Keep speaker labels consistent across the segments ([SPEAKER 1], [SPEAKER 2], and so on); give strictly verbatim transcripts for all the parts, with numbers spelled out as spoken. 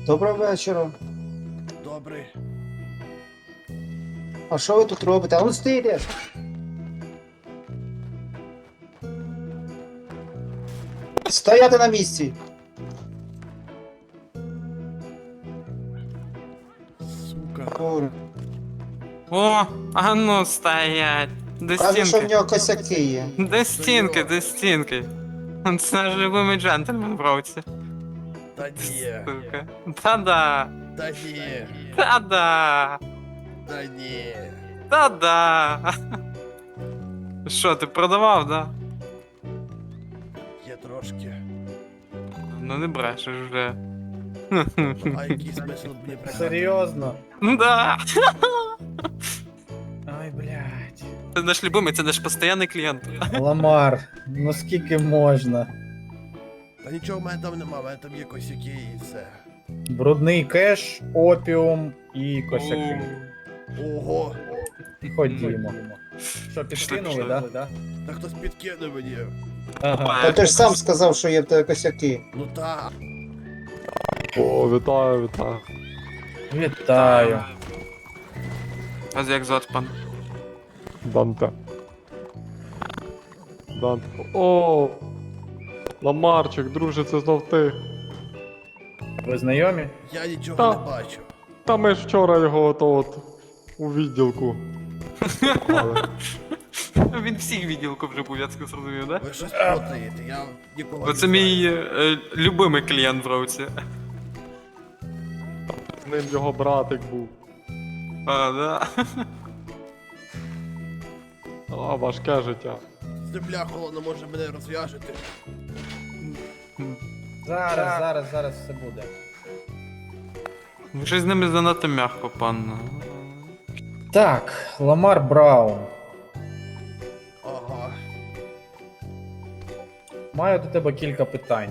[SPEAKER 1] Доброго вечора.
[SPEAKER 2] Добрий.
[SPEAKER 1] А що ви тут робите? А ну стійте! Стояти на місці!
[SPEAKER 2] Сука.
[SPEAKER 1] Кур.
[SPEAKER 3] О, а ну стоять. До
[SPEAKER 1] Каже, що в
[SPEAKER 3] стінки.
[SPEAKER 1] нього косяки є.
[SPEAKER 3] До стінки, до стінки. Це наш любимий джентльмен в році.
[SPEAKER 2] Та ні.
[SPEAKER 3] Сука. Та-да.
[SPEAKER 2] Та ні.
[SPEAKER 3] Та-да.
[SPEAKER 2] Та ні.
[SPEAKER 3] Та-да. Що, ти продавав, да?
[SPEAKER 2] Є трошки.
[SPEAKER 3] Ну не брешеш вже.
[SPEAKER 2] А який смисл мені прикати?
[SPEAKER 4] Серйозно?
[SPEAKER 3] Да.
[SPEAKER 4] Ай, блядь.
[SPEAKER 3] Це наш любимий, це наш постійний клієнт.
[SPEAKER 4] Ламар, ну скільки можна?
[SPEAKER 2] Та нічого в мене там нема, в мене там є косяки і все.
[SPEAKER 4] Брудний кеш, опіум і косяки.
[SPEAKER 2] Ого.
[SPEAKER 4] Ходімо. Що,
[SPEAKER 3] Пішли,
[SPEAKER 4] підкинули,
[SPEAKER 3] пішли.
[SPEAKER 4] да? да?
[SPEAKER 2] Та хтось підкинув мені.
[SPEAKER 4] Ага.
[SPEAKER 1] Та ти ж сам сказав, що є в тебе косяки.
[SPEAKER 2] Ну та.
[SPEAKER 5] О, вітаю, вітаю.
[SPEAKER 4] Вітаю.
[SPEAKER 3] А як звати пан?
[SPEAKER 5] Данте. Данте. О! Ламарчик, друже, це знов ти.
[SPEAKER 4] Ви знайомі?
[SPEAKER 2] Я нічого
[SPEAKER 5] Та.
[SPEAKER 2] не бачу.
[SPEAKER 5] Та ми ж вчора його ото от у відділку. Але
[SPEAKER 3] Він всіх відділку вже був, я це зрозумів, да?
[SPEAKER 2] Ви щось плутаєте, я нікого
[SPEAKER 3] Оце
[SPEAKER 2] не
[SPEAKER 3] мій
[SPEAKER 2] знаю.
[SPEAKER 3] е, любимий клієнт в році.
[SPEAKER 5] з ним його братик був.
[SPEAKER 3] А, да.
[SPEAKER 5] А, важке життя.
[SPEAKER 2] Земля холодно може мене розв'яжете.
[SPEAKER 4] Зараз, зараз, зараз все буде.
[SPEAKER 3] Ви щось з ними занадто м'яко, пан.
[SPEAKER 4] Так, Ламар Браун.
[SPEAKER 2] Ага.
[SPEAKER 4] Маю до тебе кілька питань.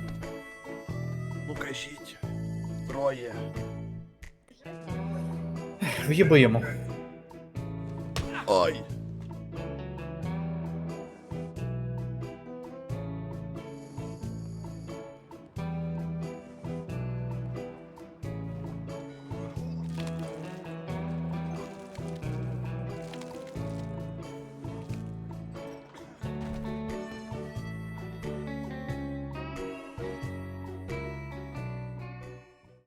[SPEAKER 2] Ну кажіть. Троє.
[SPEAKER 4] В'їбимо.
[SPEAKER 2] Ой.